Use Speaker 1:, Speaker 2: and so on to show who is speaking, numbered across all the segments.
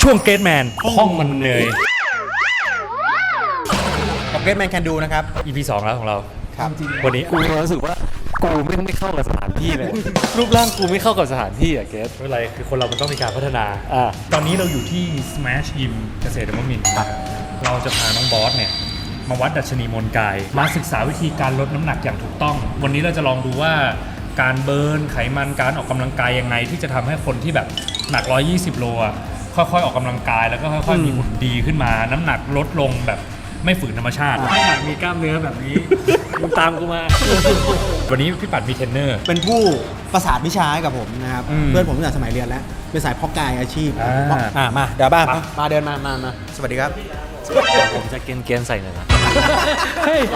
Speaker 1: ช่วงเกตแมนห้องมันเนย
Speaker 2: กับเกตแมนแคนดูนะครับ
Speaker 1: EP 2แล้วของเรา
Speaker 2: ครับ
Speaker 1: วันนี้
Speaker 3: กูรู้สึกว่ากูไม่เข้ากับสถานที่เลย รูปร่างกูไม่เข้ากับสถานที่อะเกส
Speaker 1: ไม่เป็นไรคือคนเรามันต้องมีการพัฒนา
Speaker 3: อ่า
Speaker 1: ตอนนี้เราอยู่ที่ Smash Gym เกษตรนวมินทร์นะครับเราจะพาน้องบอสเนี่ยมาวัดดัชนีมวลกาย มาศึกษาวิธีการลดน้ำหนักอย่างถูกต้อง วันนี้เราจะลองดูว่าการเบิร์นไขมันการออกกำลังกายยังไงที่จะทำให้คนที่แบบหนัก 120 โลอ่ะค่อยๆออกกำลังกายแล้วก็ค่อยๆมีหุ่นดีขึ้นมา น้ำหนักลดลงแบบไม่ฝืนธรรมชาติไม่อยากมีกล้ามเนื้อแบบนี้มึงตามกูมา วันนี้พี่ปัดมีเทรนเนอร์
Speaker 2: เป็นผู้ประสานวิชาให้กับผมนะครับ เพื่อนผมตั้งแต่สมัยเรียนแล้ว เป็นสายเพาะกายอาชีพมาเดี๋ยวบ้างมาเดินมาสวัสดีครับ
Speaker 3: ผมจะเกณฑ์ใส่หน่อยนะ เฮ้ย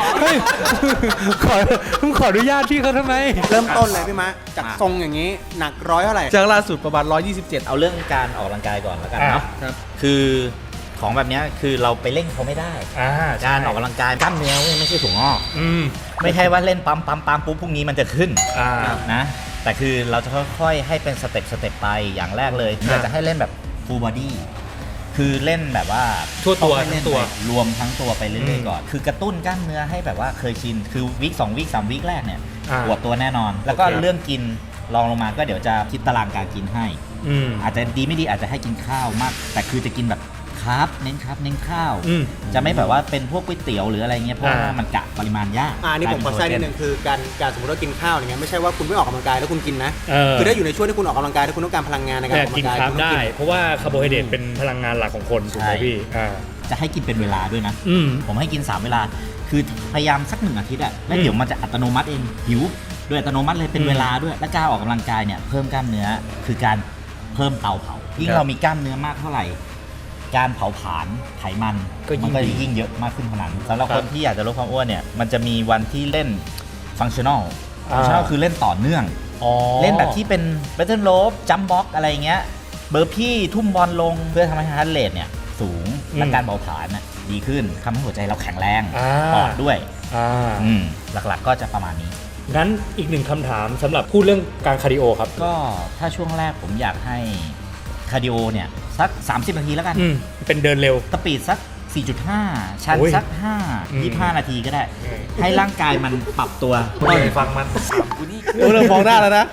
Speaker 3: ขออนุญาตพี่เขาทำไม
Speaker 2: เริ่มต้นเลยพี่มะจากทรงอย่างนี้หนักร้อยเท่าไหร่
Speaker 4: จากล่าสุดประมาณ127เอาเรื่องการออกกำลังกายก่อนแล้วกันเนาะ
Speaker 2: ครับ
Speaker 4: คือของแบบเนี้ยคือเราไปเร่งเขาไม่ได้ การออกกำลังกายกล้ามเนื้อไม่ใช่ถุงงอก ไม่ใช่ว่าเล่นปั๊มปุ๊บพรุ่งนี้มันจะขึ้นนะแต่คือเราจะค่อยๆให้เป็นสเต็ปไปอย่างแรกเลยเราจะให้เล่นแบบ full body คือเล่นแบบว่า
Speaker 1: ทั่วตัว
Speaker 4: ต้องให้เล่น
Speaker 1: ทั้งตัว
Speaker 4: ไปรวมทั้งตัวไปเรื่อยๆก่อนคือกระตุ้นกล้ามเนื้อให้แบบว่าเคยชินคือวีค2วีค3วีคแรกเนี่ยปวดตัวแน่นอน แล้วก็เรื่องกินลองลงมาก็เดี๋ยวจะคิดตารางการกินให้อาจจะดีไม่ดีอาจจะให้กินข้าวมาก แต่คือจะกินแบบคาร์บเน้นข้าวจะไม่แบบว่าเป็นพวกก๋วยเตี๋ยวหรืออะไรเงี้ยเพราะว่ามันกะปริมาณยาก
Speaker 2: นี่ผมขอแทรกนิดนึงคือการสมมติว่ากินข้าวอย่างเงี้ยไม่ใช่ว่าคุณไม่ออกกำลังกายแล้วคุณกินนะคือถ้าอยู่ในช่วงที่คุณออกกำลังกายถ้าคุณต้องการพลังงานในการออกกำลั
Speaker 1: กิน
Speaker 2: งกาย
Speaker 1: คาร์บ
Speaker 2: คุณต้
Speaker 1: ได้
Speaker 2: องกิน
Speaker 1: เพราะว่าคาร์โบไฮเดรตเป็นพลังงานหลักของคนถูกไหมพี่
Speaker 4: จะให้กินเป็นเวลาด้วยนะผมให้กิน3เวลาคือพยายามสัก1 อาทิตย์อะแล้วเดี๋ยวมันจะอัตโนมัติเองหิวโดยอัตโนมัติเลยเป็นเวลาด้วยและการออกกำลังกายเนี่ยเพิ่มกล้ามเนื้อคือการเพิ่มเตาเผายิ่งเรามีกล้ามเนื้อมากเท่าไหร่การเผาผลาญไขมันมันก็ยิ่งเยอะมากขึ้นเท่านั้นสำหรับคนที่อยากจะลดความอ้วนเนี่ยมันจะมีวันที่เล่นฟังชั่นอลคือเล่นต่อเนื่องเล่นแบบที่เป็นแบตเทิลโรปจัมบ็อกอะไรเงี้ยเบอร์พี่ทุ่มบอลลงเพื่อทำให้ฮาร์ทเรทเนี่ยสูงและการเผาผลาญดีขึ้นทำให้หัวใจเราแข็งแรงปอดด้วยหลักๆก็จะประมาณนี้
Speaker 1: งั้นอีกหนึ่งคำถามสำหรับพูดเรื่องการคาร์ดิโอครับ
Speaker 4: ก็ถ้าช่วงแรกผมอยากให้คาร์ดิโอเนี่ยสัก30 นาทีแล้วกัน
Speaker 1: เป็นเดินเร็ว
Speaker 4: สปีดสัก 4.5 ชันสัก 25 นาทีก็ได้ ให้ร่างกายมันปรับตัว
Speaker 1: ฟังมัน
Speaker 2: เริ่มมองหน้าแล้วนะ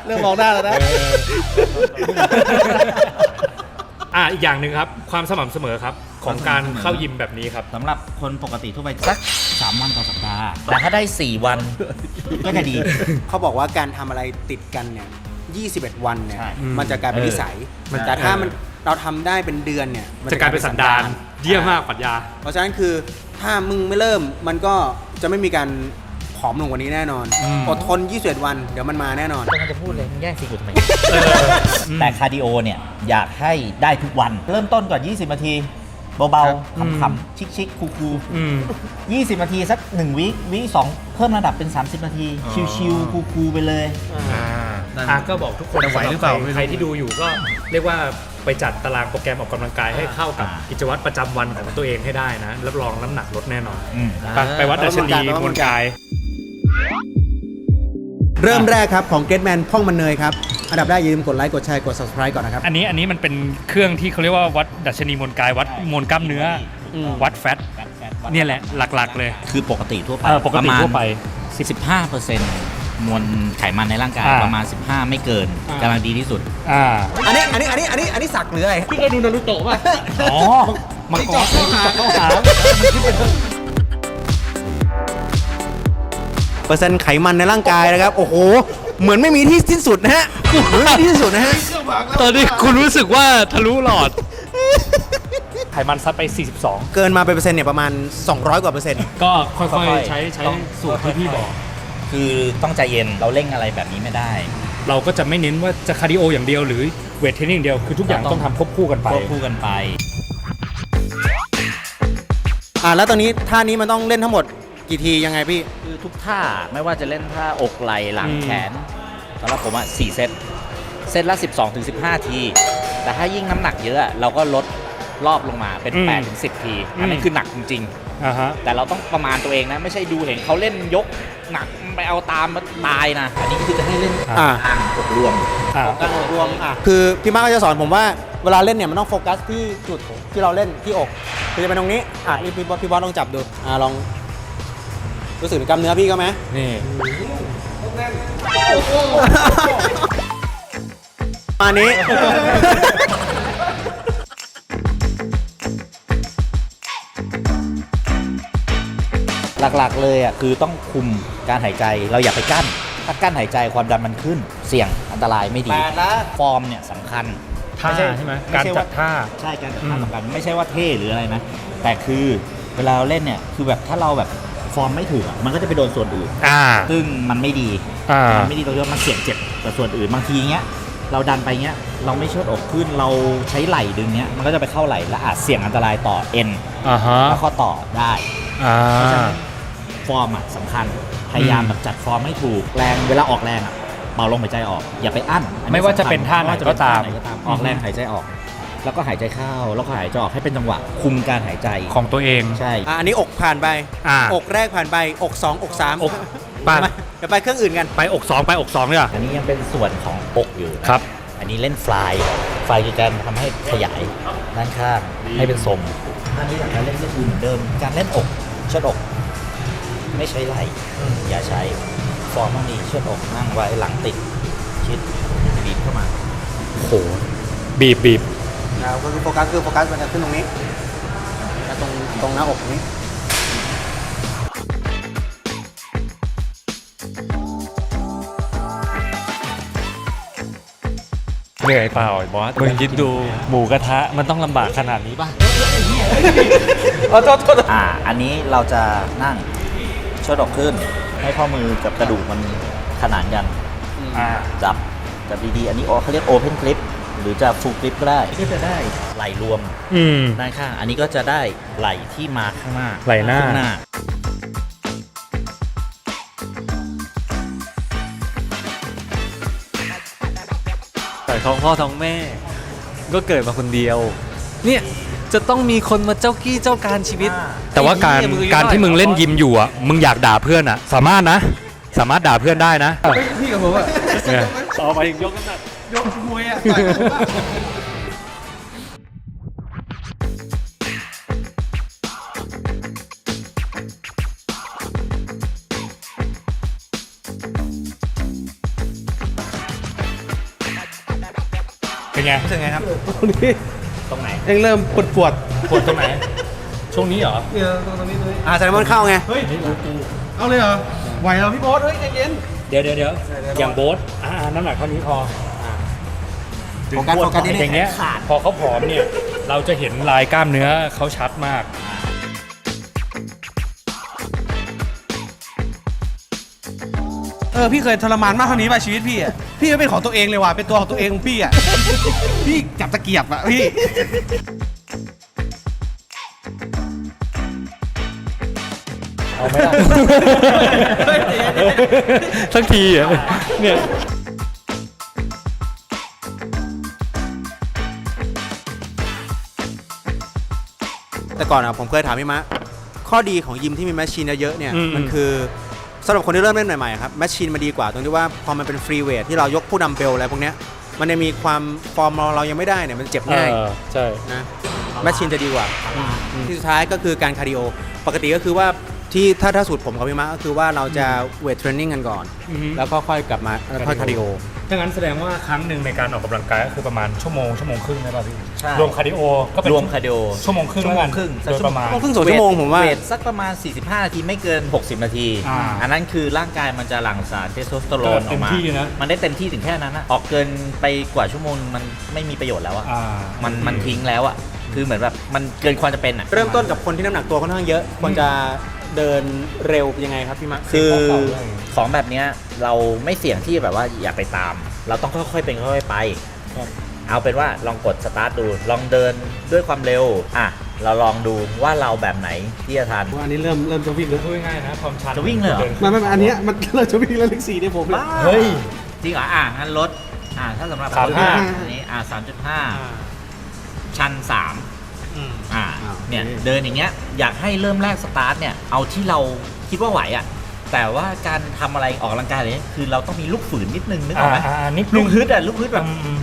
Speaker 1: อีกอย่างหนึ่งครับความสม่ำเสมอครับของการเข้ายิมแบบนี้ครับ
Speaker 4: สำหรับคนปกติทั่วไปสัก3 วันต่อสัปดาห์แต่ถ้าได้ 4 วันก็จะดี
Speaker 2: เขาบอกว่าการทำอะไรติดกันเนี่ย21 วันเนี่ย
Speaker 4: ใช่
Speaker 2: มันจะกลายเป็นนิสัยแต่ถ้ามันเราทำได้เป็นเดือนเนี่ยมัน
Speaker 1: จะกลายเป็นสันดานเยี่ยมมากปรัชญา
Speaker 2: เพราะฉะนั้นคือถ้ามึงไม่เริ่มมันก็จะไม่มีการผอมลงกว่านี้แน่นอนอดทน21 วันเดี๋ยวมันมาแน่นอน
Speaker 4: กำลังจะพูดเลยมึงแย่งซีกูทำไมแต่คาร์ดิโอเนี่ยอยากให้ได้ทุกวันเริ่มต้นก่อน20 นาทีเบาๆขำๆชิคๆคูลๆ20 นาทีสัก1วีค2เพิ่มระดับเป็น30 นาทีชิลๆคูลๆไปเลย
Speaker 1: ก็บอกทุกคนไหวหรือเปล่าใครที่ดูอยู่ก็เรียกว่าไปจัดตารางโปรแกรมออกกำลังกายให้เข้ากับกิจวัตรประจำวันของตัวเองให้ได้นะรับรองน้ำหนักลดแน่นอนไปวัดดัชนีมวลกาย
Speaker 2: เริ่มแรกครับของ Getman พ่องมันเนยครับอันดับแรกอย่าลืมกดไลค์กดแชร์กด subscribe ก่อนนะครับ
Speaker 1: อันนี้มันเป็นเครื่องที่เขาเรียกว่าวัดดัชนีมวลกายวัดมวลกล้ามเนื้อวัดแฟตเนี่ยแหละหลักๆเลย
Speaker 4: คือปกติทั่วไป
Speaker 1: ปกติทั่วไป
Speaker 4: 15% มวลไขมันในร่างกายประมาณ 15 ไม่เกินกำลังดีที่สุด
Speaker 2: อันนี้สักหรืออะไร
Speaker 1: พี่เคยดูนารูโตะป่ะมังกรเขาหา
Speaker 2: เปอร์เซ็นต์ไขมันในร่างกายนะครับโอ้โหเหมือนไม่มีที่สิ้นสุดนะฮะเหมือนไม่มีที่สิ้นสุดนะฮะ
Speaker 3: ตอนนี้คุณรู้สึกว่าทะลุหลอด
Speaker 1: ไขมันซัดไป 42
Speaker 2: เกินมาเป็นเปอร์เซ็นต์เนี่ยประมาณ200 กว่าเปอร์เซ็นต์
Speaker 1: ก็ค่อยๆใช้สูตรที่พี่บอก
Speaker 4: คือต้องใจเย็นเราเร่งอะไรแบบนี้ไม่ได้
Speaker 1: เราก็จะไม่เน้นว่าจะคาร์ดิโออย่างเดียวหรือเวทเทรนนิ่งเดียวคือทุกอย่างต้องทำควบคู่กันไป
Speaker 4: ควบคู่กันไป
Speaker 2: แล้วตอนนี้ท่านี้มันต้องเล่นทั้งหมดกี่ทียังไงพี่
Speaker 4: คือทุกท่าไม่ว่าจะเล่นท่าอกไหล่หลังแขนสำหรับผม4 เซตละ 12-15 ที แต่ถ้ายิ่งน้ำหนักเยอะเราก็ลดรอบลงมาเป็น 8-10 ทีอันนี้คือหนักจริงๆแต่เราต้องประมาณตัวเองนะไม่ใช่ดูเห็นเขาเล่นยกหนักไปเอาตามมาตายนะอันนี้คือจะให้เล่นอกรวม
Speaker 2: คือพี่มาร์คก็จะสอนผมว่าเวลาเล่นเนี่ยมันต้องโฟกัสที่จุดที่เราเล่นที่อกคือจะเป็นตรงนี้พี่บอสลองจับดูลองรู้สึกถึงกล้ามเนื้อพี่ก็ไหม
Speaker 1: นี่
Speaker 2: มานี้
Speaker 4: หลักๆเลยอ่ะคือต้องคุมการหายใจเราอย่าไปกั้นถ้ากั้นหายใจความดันมันขึ้นเสี่ยงอันตรายไม่ดี
Speaker 2: 8 แล้ว
Speaker 4: ฟอร์มเนี่ยสำคัญ
Speaker 1: ท่าใช่ไหมการจัดท่า
Speaker 4: ใช่การจัดท่าสำคัญไม่ใช่ว่าเท่หรืออะไรนะแต่คือเวลาเราเล่นเนี่ยคือแบบถ้าเราแบบฟอร์มไม่ถึงอะมันก็จะไปโดนส่วนอื่น ซึ่งมันไม่ดี มันไม่ดีตรงที่ว่ามันเสี่ยงเจ็บกับส่วนอื่นบางทีเงี้ยเราดันไปเงี้ยเราไม่เชิดอกขึ้นเราใช้ไหล่ดึงเงี้ยมันก็จะไปเข้าไหล่และอาจเสี่ยงอันตรายต่อเอ็นและข้อต่อได้เพราะฉะนั้นฟอร์มอะสำคัญพยายามแบบจัดฟอร์มให้ถูกแรงเวลาออกแรงอะเบาลมหายใจออกอย่าไปอั้นอันนี้
Speaker 1: ไม่ว่าจะเป็นท่าไหนก็ตาม
Speaker 4: ออกแรงหายใจออก แล้วก็หายใจเข้าแล้วก็หายใจออกให้เป็นจังหวะคุมการหายใจ
Speaker 1: ของตัวเอง
Speaker 4: ใช่
Speaker 2: อันนี้อกผ่านไป อกแรกผ่านไปอก2อก3
Speaker 1: อกผ่าน
Speaker 2: เดี๋ยวไปเครื่องอื่นกัน
Speaker 1: ไปอก2ไปอก2เนี่ย
Speaker 4: อันนี้ยังเป็นส่วนของอกอยู่นะครับ อันนี้เล่นฟลายคือการทำให้ขยายด้านข้างให้เป็นทรงอันนี้หลังการเล่นก็คือเหมือนเดิมการเล่นอกเชิดอก ไม่ใช้ไหล่อย่าใช้ฟอร์มต้องดีเชิดอกนั่งไว้หลังติดชิดบีบเข้ามา
Speaker 1: โหบีบ
Speaker 2: ก็คือโฟกัสมันจะขึ้นตรงนี้แล้วตรงหน้าอกตรงนี้
Speaker 1: เหนื่อยเปล่าไอ้บอสมึงคิดดูหมูกระทะมันต้องลำบากขนาดนี้ป่ะ
Speaker 4: อันนี้เราจะนั่งเชิดอกขึ้นให้ข้อมือกับกระดูกมันขนานกันจับดีๆอันนี้เขาเรียก Open Grip หรือจะ Full Grip ก็ได้ก็จะได้ไหล่รวมด้านข้างอันนี้ก็จะได้ไหล่ที่มาข้างหน้า
Speaker 1: ไหล่หน้า
Speaker 4: ข้างหน้า
Speaker 3: แต่ท้องพ่อท้องแม่ ก็เกิดมาคนเดียว เนี่ยจะต้องมีคนมาเจ้ากี้เจ้าการชีวิต
Speaker 1: แต่ว่าการที่มึงเล่นยิมอยู่อ่ะมึงอยากด่าเพื่อนอ่ะสามารถด่าเพื่อนได้นะ
Speaker 2: พี่กับผมอะ
Speaker 3: ต่อไปยกน้ำหนัก
Speaker 2: ยกมวยอะ
Speaker 1: เป็นไง
Speaker 2: รู้สึกไงครับ
Speaker 4: ตรงไหน
Speaker 2: ยังเริ่มปวด
Speaker 1: ปวดตรงไหน ช่วงนี้เหรอ
Speaker 2: ตรงนี้แซลมอนเข้าไง
Speaker 1: เฮ้ย
Speaker 2: เอาเลยเหรอไหวเหรอพี่โบ๊ทเฮ้ยใจเย็น
Speaker 1: เดี๋ยวอย่างโบ๊ทน้ำหนักเท่านี้พอ
Speaker 2: โฟกัสนิดนึง
Speaker 1: อย่างเงี้ยพอเขาผอมเนี่ยเราจะเห็นลายกล้ามเนื้อเขาชัดมาก
Speaker 5: พี่เคยทรมานมากเท่านี้ป่ะชีวิตพี่อ่ะ พี่ก็เป็นของตัวเองเลยว่ะ เป็นตัวของตัวเองของพี่อ่ะ พี่จับตะเกียบอ่ะพี่
Speaker 1: เอาไม่ได้ สักทีอ่ะเนี่ย
Speaker 2: แต่ก่อนอะผมเคยถามพี่มะข้อดีของยิมที่มีแมชชีนเยอะๆเนี่ย
Speaker 1: อืม
Speaker 2: มันคือสำหรับคนที่เริ่มเล่นใหม่ๆครับแมชชีนมันดีกว่าตรงที่ว่าพอมันเป็นฟรีเวทที่เรายกผู้ดัมเบลอะไรพวกเนี้ยมันจะมีความฟอร์มเรายังไม่ได้เนี่ยมันเจ็บง่าย
Speaker 1: ใช่
Speaker 2: นะแมชชีนจะดีกว่าที่สุดท้ายก็คือการคาร์ดิโอปกติก็คือว่าที่ถ้าสูตรผมกับพี่มะก็คือว่าเราจะเวทเทรนนิ่งกันก่อน แล้วก็ค่อยกลับมาค่อยคาร์ดิโอ
Speaker 1: ถ้างั้นแสดงว่าครั้งหนึ่งในการออกกำลังกายก็คือประมาณชั่วโมงครึ่งได้ป่ะพี่
Speaker 4: ใช่
Speaker 1: รวมคาร์ดิโอก็เป็น
Speaker 4: รวมคาร์ดิโอ
Speaker 1: ชั่วโมงครึ่งแล้วกัน
Speaker 4: ชั่วโมงครึ่ง
Speaker 1: โดยประมาณ
Speaker 2: ครึ่ง2 ชั่วโมงผมว่า
Speaker 4: เวทสักประมาณ 45 นาทีไม่เกิน 60 นาที อันนั้นคือร่างกายมันจะหลั่งสารเทสโทสเตอโรนออกมา
Speaker 1: เต็มที่นะ
Speaker 4: มันได้เต็มที่ถึงแค่นั้นนะออกเกินไปกว่าชั่วโมงมันไม่มีประโยชน์แล้วอะ มันทิ้งแล้วอะคือเหมือนแบบมันเกินความจะเป็นอะ
Speaker 2: เริ่มต้นกับคนที่น้ำหนักตัวค่อนข้างเยอะควรจะเดินเร็วยังไงครับพี่มะ
Speaker 4: คือของแบบเนี้ยเราไม่เสี่ยงที่แบบว่าอย่าไปตาม เราต้องค่อยๆเป็นค่อยๆไป เอาเป็นว่าลองกดสตาร์ทดูลองเดินด้วยความเร็วเราลองดูว่าเราแบบไหนที่จะทัน
Speaker 5: อันนี้เริ่มจะวิ่งแล้ว
Speaker 1: พูดง่ายๆนะความชัน
Speaker 4: จะวิ่งเลยเหรอ
Speaker 5: ไม่อันเนี้ยมันเริ่มจะวิ่งแล้วเลข4เนี่ยผมเลย
Speaker 1: เฮ้ย
Speaker 4: จริงเหรองั้นลดถ้าสำหรับ
Speaker 1: 3.5
Speaker 4: อันนี้3.5 ชัน 3เนี่ยเดินอย่างเงี้ยอยากให้เริ่มแรกสตาร์ทเนี่ยเอาที่เราคิดว่าไหวอ่ะแต่ว่าการทำอะไรออกกำลังกายเลยคือเราต้องมีลูกฝืนนิดนึงนึกออกไหม
Speaker 1: นิดนึ
Speaker 4: ลู
Speaker 1: ง
Speaker 4: กฮึดลูกฮึดแบบ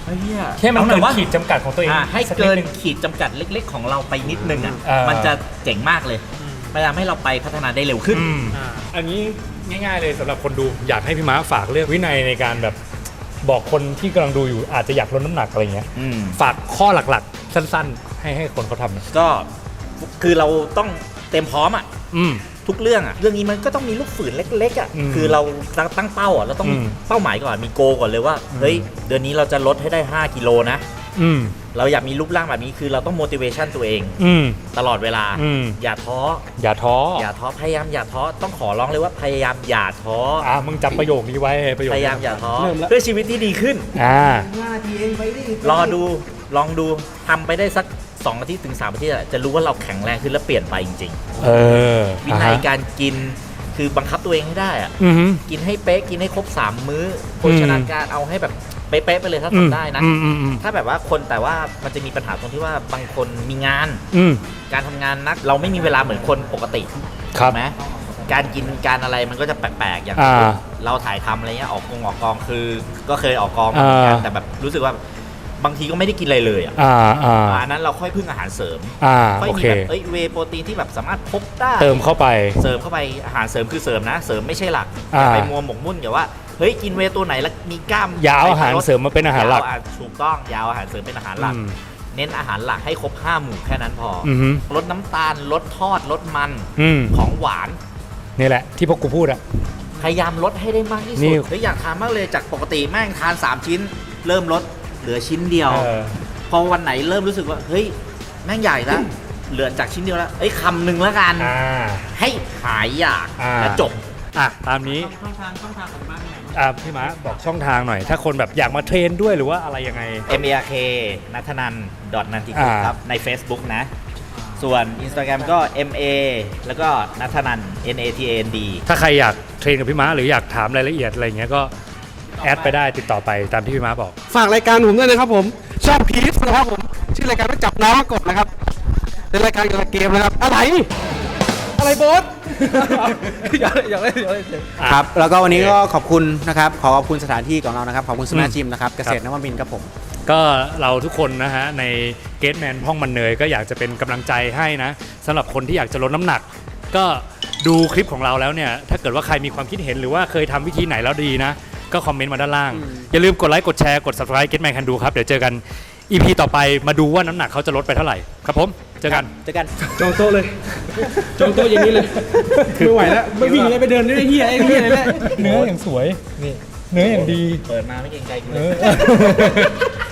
Speaker 1: แค่มัน
Speaker 4: เอาแต่
Speaker 1: เกิน
Speaker 4: ว่า
Speaker 1: ขีดจำกัดของตัวเอง
Speaker 4: ให้
Speaker 1: สั
Speaker 4: เกิน
Speaker 1: ดง
Speaker 4: ขีดจำกัดเล็ก ๆ ของเราไปนิดนึงอ่ะ
Speaker 1: เออ
Speaker 4: มันจะเจ๋งมากเลยพยายามให้เราไปพัฒนาได้เร็วขึ้น
Speaker 1: อันนี้ง่ายๆเลยสำหรับคนดูอยากให้พี่ม้าฝากเรื่องวินัยในการแบบบอกคนที่กำลังดูอยู่อาจจะอยากลดน้ำหนักอะไรเงี้ย ฝากข้อหลักๆ สั้นๆ ให้คนเขาทำนะ
Speaker 4: ก็คือเราต้องเต็มพร้อมอ่ะ
Speaker 1: อืม
Speaker 4: ทุกเรื่องอ่ะเรื่องนี้มันก็ต้องมีลูกฝืนเล็กๆอ่ะ
Speaker 1: อืม
Speaker 4: คือเราตั้งเป้าอ่ะเราต้อง
Speaker 1: อืม
Speaker 4: เป้าหมายก่อนมีโกก่อนเลยว่าเฮ้ยเดือนนี้เราจะลดให้ได้5กิโลนะ
Speaker 1: อืม
Speaker 4: เราอยากมีรูปร่างแบบนี้คือเราต้อง motivation ตัวเอง
Speaker 1: อืม
Speaker 4: ตลอดเวลา
Speaker 1: อืม
Speaker 4: อย่าท้อ
Speaker 1: อย่าท้อ
Speaker 4: อย่าท้อพยายามอย่าท้อต้องขอร้องเลยว่าพยายามอย่าท้อ
Speaker 1: มึงจำประโยคนี้ไว้ประโยค
Speaker 4: พ
Speaker 1: นี้
Speaker 4: ยายามอย่าท้อเพื่อชีวิตที่ดีขึ้น รอดูลองดูทำไปได้สัก2 อาทิตย์ถึง3 อาทิตย์อะจะรู้ว่าเราแข็งแรงขึ้นและเปลี่ยนไปจริง ๆ วินัยการกินคือบังคับตัวเองให้ได้อะ
Speaker 1: อือฮึ
Speaker 4: กินให้เป๊ะกินให้ครบ3 มื้อโภชนาการเอาให้แบบเป๊ะๆไปเลยถ้าทำได้นะ ถ้าแบบว่าคนแต่ว่ามันจะมีปัญหาตรงที่ว่าบางคนมีงาน
Speaker 1: อืม
Speaker 4: การทำงานนักเราไม่มีเวลาเหมือนคนปกติ
Speaker 1: ครับ
Speaker 4: ถูกไหมการกินการอะไรมันก็จะแปลกๆอย่าง
Speaker 1: อ่า
Speaker 4: เราถ่ายทำอะไรเงี้ยออกกองคือ ก็เคยออกกองมาเหมือนกัน
Speaker 1: อ่า
Speaker 4: แต่แบบรู้สึกว่าบางทีก็ไม่ได้กินอะไรเลยอ่ะ อันนั้นเราค่อยพึ่งอาหารเสริมค่อย
Speaker 1: โอ
Speaker 4: มี
Speaker 1: เค
Speaker 4: แบบเวย์โปรตีนที่แบบสามารถพบได้
Speaker 1: เติมเข้าไป
Speaker 4: เสริมเข้าไปอาหารเสริมคือเสริมนะเสริมไม่ใช่หลักอ
Speaker 1: อ่า
Speaker 4: ย่าไปมัวหมกมุ่นกับว่าเฮ้ยกินเวย์ตัวไหนแล้วมีกล้าม
Speaker 1: อย่าเอาอาหารเสริมมาเป็นอาหารหลัก
Speaker 4: ถูกต้องอยาวอาหารเสริมเป็นอาหารหลัก
Speaker 1: อืม
Speaker 4: เน้นอาหารหลักให้ครบ5 หมู่แค่นั้นพออ
Speaker 1: อือฮึ
Speaker 4: ลดน้ำตาลลดทอดลดมัน
Speaker 1: อืม
Speaker 4: ของหวาน
Speaker 1: นี่แหละที่พวกกูพูดอะ
Speaker 4: พยายามลดให้ได้มากที่
Speaker 1: นี่
Speaker 4: สุดเฮ้ยอยากทานมากเลยจากปกติแม่งทาน3 ชิ้น เริ่มลดเหลือชิ้นเดียว พอวันไหนเริ่มรู้สึกว่าเฮ้ยแม่งใหญ่แล้วเหลือจากชิ้นเดียวแล้วเอ้ยคำหนึ่งแล้วกัน ให้หายอยากและจบ
Speaker 1: ตามนี้
Speaker 5: ช่องทางของบ้านไหน
Speaker 1: พี่ม้าบอกช่องทางหน่อย ถ้าคนแบบอยากมาเทรนด้วยหรือว่าอะไรยังไง
Speaker 4: mark นัทนันนันทิกุลครับใน Facebook นะ ส่วน Instagram ก็ ma แล้วก็นัทนัน natand
Speaker 1: ถ้าใครอยากเทรนกับพี่ม้าหรืออยากถามรายละเอียดอะไรเงี้ยก็แอดไปได้ติดต่อไปตามที่พี่ม้าบอก
Speaker 5: ฝากรายการผมด้วยนะครับผมชอบพีชนะครับผมชื่อรายการว่าจับน้องมากบนะครับเป็นรายการเกี่ยวกับเกมนะครับอะไรโบส อยากเล่น
Speaker 2: ครับแล้วก็วันนี้ก็ขอบคุณนะครับขอบคุณสถานที่ของเรานะครับขอบคุณสมาร์ทจิมนะครับเกษตรนวมินทร์ครับผม
Speaker 1: ก็เราทุกคนนะฮะในเกตแมนห้องมันเนยก็อยากจะเป็นกำลังใจให้นะสำหรับคนที่อยากจะลดน้ำหนัก ก็ดูคลิปของเราแล้วเนี่ยถ้าเกิดว่าใครมีความคิดเห็นหรือว่าเคยทำวิธีไหนแล้วดีนะ ก็คอมเมนต์มาด้านล่าง อย่าลืมกดไลค์กดแชร์กด subscribe Get Man Can Do ครับ เดี๋ยวเจอกัน EP ต่อไปมาดูว่าน้ำหนักเขาจะลดไปเท่าไหร่ครับผมเจอกัน
Speaker 5: จองโต๊ะเลยจองโต๊ะอย่างนี้เลยไม่ไหวแล้วไม่วิ่งเลยไปเดินด้วยเฮียเลยแหละ
Speaker 1: เนื้ออย่างสวยนี่เนื้ออย่างดี
Speaker 4: เปิดมาไม่เกรงใจกูเลย